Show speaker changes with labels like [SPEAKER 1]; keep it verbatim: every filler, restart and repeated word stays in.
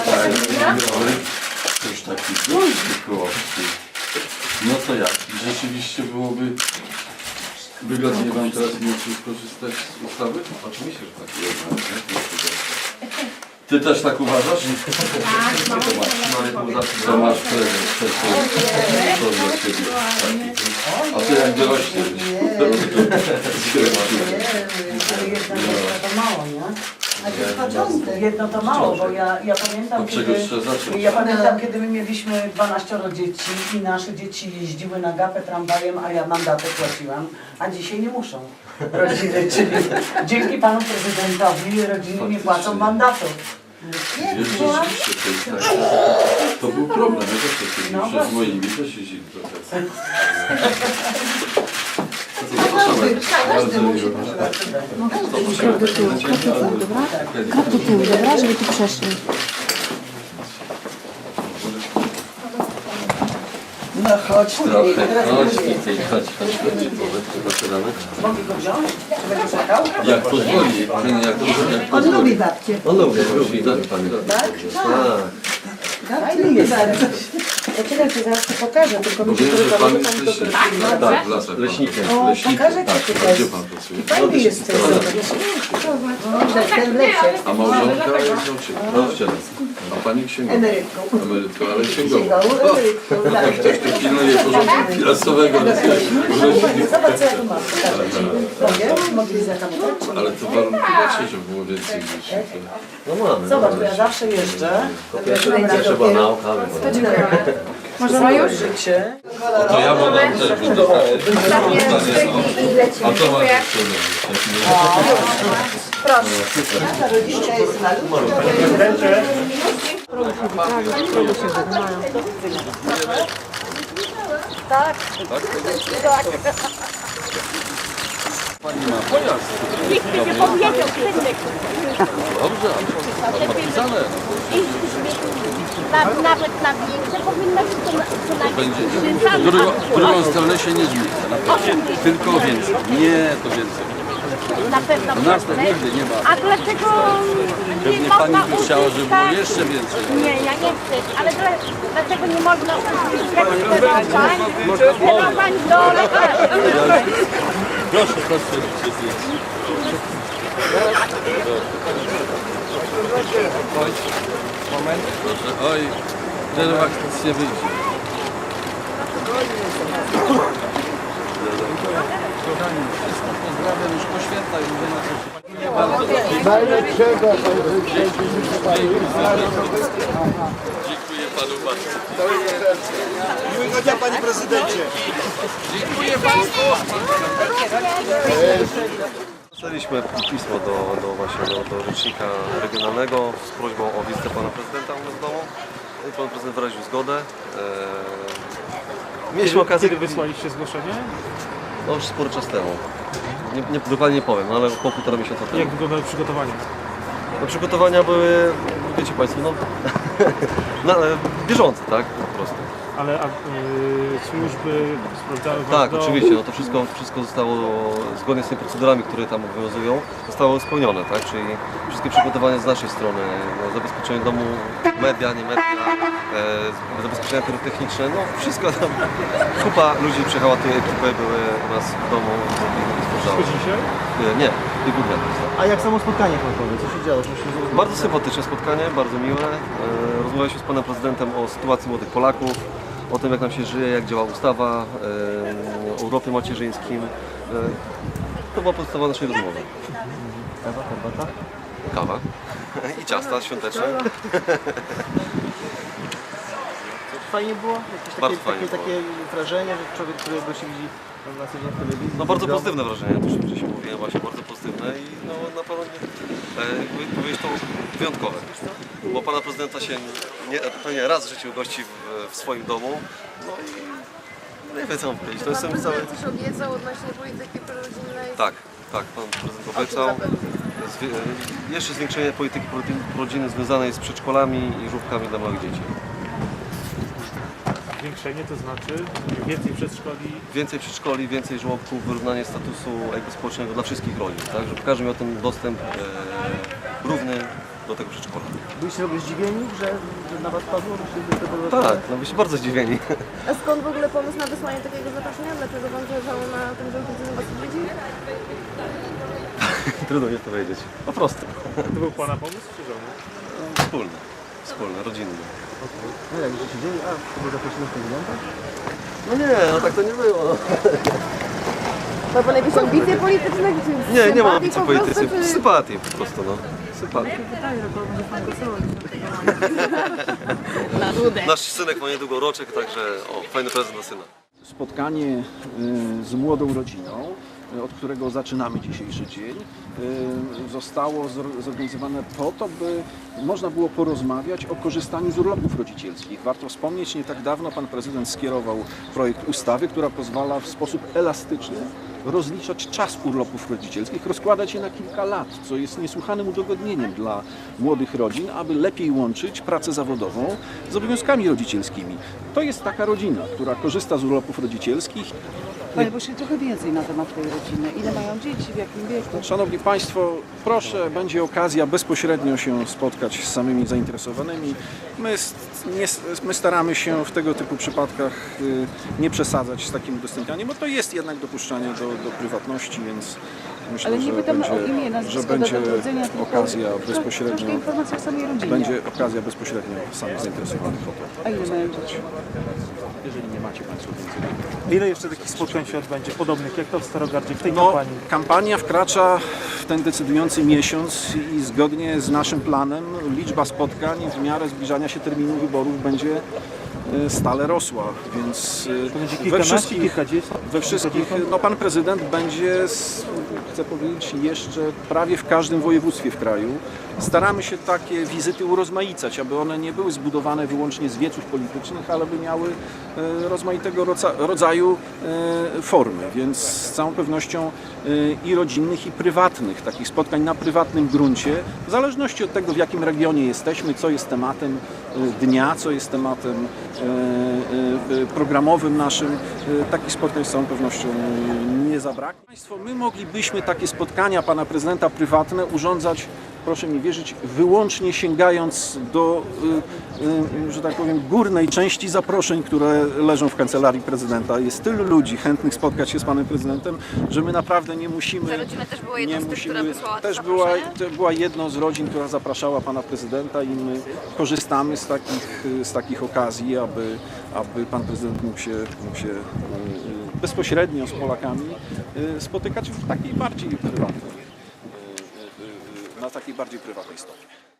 [SPEAKER 1] Też taki duży kołowski. No to jak? Rzeczywiście byłoby wygodnie wam teraz mimo wszystko korzystać z ustawy? Oczywiście, że tak. Ty też tak uważasz?
[SPEAKER 2] Tak,
[SPEAKER 1] To masz prezent to dla ciebie. A ty jak dorośniesz?
[SPEAKER 3] To mało, nie? Jedno to mało, bo ja, ja pamiętam,
[SPEAKER 1] Od czego
[SPEAKER 3] kiedy,
[SPEAKER 1] trzeba zacząć?
[SPEAKER 3] ja pamiętam, kiedy my mieliśmy dwanaścioro dzieci i nasze dzieci jeździły na gapę tramwajem, a ja mandaty płaciłam, a dzisiaj nie muszą rodziny, czyli dzięki panu prezydentowi rodziny nie płacą mandatów.
[SPEAKER 1] Rzeczywiście, to jest tak. To był problem. Ja też to kiedyś,
[SPEAKER 3] No
[SPEAKER 1] że z
[SPEAKER 3] właśnie.
[SPEAKER 1] moimi też jeździli trochę.
[SPEAKER 2] Każdy, każdy musi
[SPEAKER 4] Krok do tyłu, krok do tyłu, dobra? Krok do tyłu, dobra? Żeby tu przeszli.
[SPEAKER 3] No chodź,
[SPEAKER 1] Trochę.
[SPEAKER 3] teraz
[SPEAKER 1] Chodź
[SPEAKER 3] będzie.
[SPEAKER 1] tutaj, chodź, chodź, chodź. Zaczynamy.
[SPEAKER 3] Mogę go wziąć? Czy będę czekał?
[SPEAKER 1] Jak pozwoli, jak jak
[SPEAKER 2] On
[SPEAKER 1] pozwoli.
[SPEAKER 2] lubi babcię.
[SPEAKER 1] On lubi, lubi, tak, pani.
[SPEAKER 2] Tak?
[SPEAKER 3] Tak, lubię bardzo.
[SPEAKER 2] Poczekajcie, zaraz to pokażę, tylko
[SPEAKER 1] Bo
[SPEAKER 2] mi się
[SPEAKER 1] wiem, że
[SPEAKER 2] podoba,
[SPEAKER 1] pan
[SPEAKER 2] bo tam
[SPEAKER 1] jest
[SPEAKER 2] do
[SPEAKER 1] leśnikiem. Tak, w lasach.
[SPEAKER 5] Leśnikiem.
[SPEAKER 2] O, pokażę
[SPEAKER 1] Tak,
[SPEAKER 2] ci
[SPEAKER 1] a
[SPEAKER 2] tutaj.
[SPEAKER 1] gdzie pan pracuje?
[SPEAKER 2] Fajny jesteś, zobacz. Zobacz, ten w lesie.
[SPEAKER 1] A małżonka jest nauczycielem. A pani księgowa?
[SPEAKER 2] Emerytką.
[SPEAKER 1] Emerytką, ale księgowa.
[SPEAKER 2] Księgową emerytką, tak.
[SPEAKER 1] Ktoś tu pilnuje porządku finansowego.
[SPEAKER 3] Zobacz, co ja tu mam. Pokażę ci.
[SPEAKER 2] Mogę? Mogli zatamować?
[SPEAKER 1] Ale to warunki macie, żeby było więcej dzieci.
[SPEAKER 5] No mamy.
[SPEAKER 3] Zobacz, bo ja zawsze jeżdżę.
[SPEAKER 5] Trzeba nauka,
[SPEAKER 3] Możemy już? Życie.
[SPEAKER 1] To ja mam też A to ma
[SPEAKER 2] Rodziska jest malutka.
[SPEAKER 1] Pani ma pojazd. Dobrze, a pan ma pisane.
[SPEAKER 6] Nawet, nawet na większe powinno być to co najmniej
[SPEAKER 1] Będzie.
[SPEAKER 6] trzy
[SPEAKER 1] W drugą,
[SPEAKER 6] razy.
[SPEAKER 1] w drugą stronę się nie zmienia. Na pewno. Tylko więcej. Nie, to więcej.
[SPEAKER 6] Na pewno
[SPEAKER 1] U nas tak nigdy nie ma.
[SPEAKER 6] A dlaczego nie
[SPEAKER 1] Pewnie
[SPEAKER 6] można
[SPEAKER 1] pani by chciała, żeby było
[SPEAKER 6] uzyskać-
[SPEAKER 1] jeszcze więcej.
[SPEAKER 6] Nie, ja nie chcę, ale dla, dlaczego nie można uzyskać skierowań, skierowań do lekarzy?
[SPEAKER 1] Proszę, proszę. Chodź. Moment. Proszę. Oj, czerwak nic nie wyjdzie. Kochani, wszystko pozdrawiam już po świętach, mówię na coś. Dziękuję panu bardzo.
[SPEAKER 7] Miłego dnia, panie prezydencie.
[SPEAKER 1] Dziękuję państwu.
[SPEAKER 5] Napisaliśmy pismo do, do, właśnie, do, do rzecznika regionalnego z prośbą o wizytę pana prezydenta u nas w domu. I pan prezydent wyraził zgodę. Eee, mieliśmy okazję...
[SPEAKER 7] Kiedy wysłaliście zgłoszenie?
[SPEAKER 5] No już spory czas temu. Nie, nie, dokładnie nie powiem, no, ale około półtora miesiąca temu.
[SPEAKER 7] Jak wyglądały przygotowania?
[SPEAKER 5] No, przygotowania były, wiecie państwo, no, na, bieżące, tak, po prostu.
[SPEAKER 7] Ale a, y, służby sprawdzały wam
[SPEAKER 5] Tak,
[SPEAKER 7] dom?
[SPEAKER 5] oczywiście, no to wszystko, wszystko zostało zgodnie z tymi procedurami, które tam obowiązują, zostało spełnione, tak, czyli wszystkie przygotowania z naszej strony, no, zabezpieczenie domu, media, nie media, e, zabezpieczenia pyrotechniczne, no wszystko tam, kupa ludzi przyjechała, tej ekipy były u nas w domu i stworzały.
[SPEAKER 7] Tylko dzisiaj?
[SPEAKER 5] Nie, nie, nie głównie.
[SPEAKER 8] A jak samo spotkanie panowie? Co się działo? Co się...
[SPEAKER 5] Bardzo sympatyczne spotkanie, bardzo miłe. E, Rozmawialiśmy z panem prezydentem o sytuacji młodych Polaków, o tym jak nam się żyje, jak działa ustawa, e, o urlopie macierzyńskim. E, To była podstawa naszej rozmowy.
[SPEAKER 8] Kawa, herbata?
[SPEAKER 5] Kawa i ciasta świąteczne.
[SPEAKER 8] Fajnie było? Jakieś takie,
[SPEAKER 5] Bardzo
[SPEAKER 8] takie,
[SPEAKER 5] fajnie było.
[SPEAKER 8] takie wrażenie, że człowiek, którego się widzi na co dzień w telewizji?
[SPEAKER 5] No bardzo
[SPEAKER 8] w domu?
[SPEAKER 5] pozytywne wrażenie, też wcześniej mówiłem, właśnie bardzo pozytywne i no na pewno nie, e, powiedzieć to wyjątkowe. Bo pana prezydenta się nie, pewnie raz w życiu gości w, w swoim domu, no i nie wiem co mam powiedzieć, to jestem cały...
[SPEAKER 9] Coś obiecał odnośnie polityki prorodzinnej.
[SPEAKER 5] Tak, tak, pan prezydent obiecał. Zwie, jeszcze zwiększenie polityki rodziny związanej z przedszkolami i żłobkami dla małych dzieci.
[SPEAKER 7] Zwiększenie to znaczy więcej przedszkoli.
[SPEAKER 5] Więcej przedszkoli, więcej żłobków, wyrównanie statusu jakby społecznego dla wszystkich rodzin, tak? Żeby każdy miał ten dostęp e, równy do tego przedszkola.
[SPEAKER 8] Byliście w ogóle zdziwieni, że, że na was padło? Że się to
[SPEAKER 5] Tak, no byliśmy bardzo zdziwieni.
[SPEAKER 9] A skąd w ogóle pomysł na wysłanie takiego zaproszenia? Dlaczego wam zależało na tym, żeby ludzie was odwiedzili?
[SPEAKER 5] Trudno mi powiedzieć. Po prostu.
[SPEAKER 7] To był pana pomysł czy żony?
[SPEAKER 5] Wspólny, wspólny, rodzinny.
[SPEAKER 8] No jak że się dzieje? A, chyba zaprosimy prezydenta?
[SPEAKER 5] No nie, no tak to nie było.
[SPEAKER 9] Ma pan jakieś ambicje polityczne? Czy
[SPEAKER 5] Nie, nie mam
[SPEAKER 9] sympatii
[SPEAKER 5] ambicji
[SPEAKER 9] po prostu,
[SPEAKER 5] politycznych.
[SPEAKER 9] czy-
[SPEAKER 5] Sympatii po prostu, no. Sympatii. Nasz synek ma niedługo roczek, także o, fajny prezent dla syna.
[SPEAKER 10] Spotkanie y, z młodą rodziną, y, od którego zaczynamy dzisiejszy dzień, y, zostało zor- zorganizowane po to, by można było porozmawiać o korzystaniu z urlopów rodzicielskich. Warto wspomnieć, nie tak dawno pan prezydent skierował projekt ustawy, która pozwala w sposób elastyczny rozliczać czas urlopów rodzicielskich, rozkładać je na kilka lat, co jest niesłychanym udogodnieniem dla młodych rodzin, aby lepiej łączyć pracę zawodową z obowiązkami rodzicielskimi. To jest taka rodzina, która korzysta z urlopów rodzicielskich.
[SPEAKER 3] Panie Boże, trochę więcej na temat tej rodziny. Ile mają dzieci, w jakim wieku?
[SPEAKER 10] Szanowni Państwo, proszę, będzie okazja bezpośrednio się spotkać z samymi zainteresowanymi. My, s- nie, s- my staramy się w tego typu przypadkach y, nie przesadzać z takim udostępnianiem, bo to jest jednak dopuszczanie do, do prywatności, więc myślę,
[SPEAKER 3] Ale nie
[SPEAKER 10] że
[SPEAKER 3] pytamy
[SPEAKER 10] będzie,
[SPEAKER 3] o imię,
[SPEAKER 10] że
[SPEAKER 3] nazwisko,
[SPEAKER 10] będzie
[SPEAKER 3] datę urodzenia, tylko
[SPEAKER 10] okazja
[SPEAKER 3] troszkę
[SPEAKER 10] bezpośrednio,
[SPEAKER 3] informacji o samej rodzinie.
[SPEAKER 10] będzie okazja bezpośrednio samych zainteresowanych o to.
[SPEAKER 3] A ile mają dzieci?
[SPEAKER 10] Jeżeli nie macie Państwo więcej.
[SPEAKER 7] Ile jeszcze takich spotkań się odbędzie, podobnych jak to w Starogardzie, w tej
[SPEAKER 10] No,
[SPEAKER 7] kampanii?
[SPEAKER 10] kampania wkracza w ten decydujący miesiąc i zgodnie z naszym planem liczba spotkań w miarę zbliżania się terminu wyborów będzie e, stale rosła, więc e,
[SPEAKER 7] To będzie
[SPEAKER 10] we
[SPEAKER 7] kilkanaście,
[SPEAKER 10] wszystkich,
[SPEAKER 7] kilkadziesiąt?
[SPEAKER 10] we wszystkich no pan prezydent będzie, s- chcę powiedzieć, jeszcze prawie w każdym województwie w kraju. Staramy się takie wizyty urozmaicać, aby one nie były zbudowane wyłącznie z wieców politycznych, ale by miały e, rozmaitego rodza- rodzaju e, formy, więc z całą pewnością e, i rodzinnych, i prywatnych, takich spotkań na prywatnym gruncie, w zależności od tego, w jakim regionie jesteśmy, co jest tematem e, dnia, co jest tematem e, e, programowym naszym, e, takich spotkań z całą pewnością nie zabraknie. Państwo, my moglibyśmy takie spotkania pana prezydenta prywatne urządzać, proszę mi wierzyć, wyłącznie sięgając do, y, y, że tak powiem, górnej części zaproszeń, które leżą w kancelarii prezydenta. Jest tylu ludzi chętnych spotkać się z panem prezydentem, że my naprawdę nie musimy...
[SPEAKER 9] Ta rodzina też była jedną
[SPEAKER 10] nie
[SPEAKER 9] z tych, która
[SPEAKER 10] musimy-
[SPEAKER 9] wysłała te
[SPEAKER 10] Też była,
[SPEAKER 9] zaproszenia?
[SPEAKER 10] to była jedną z rodzin, która zapraszała pana prezydenta i my korzystamy z takich, z takich okazji, aby, aby pan prezydent mógł się, mógł się y, y, bezpośrednio z Polakami y, spotykać w takiej bardziej prywatnej, y, y, y, na takiej bardziej prywatnej stopie.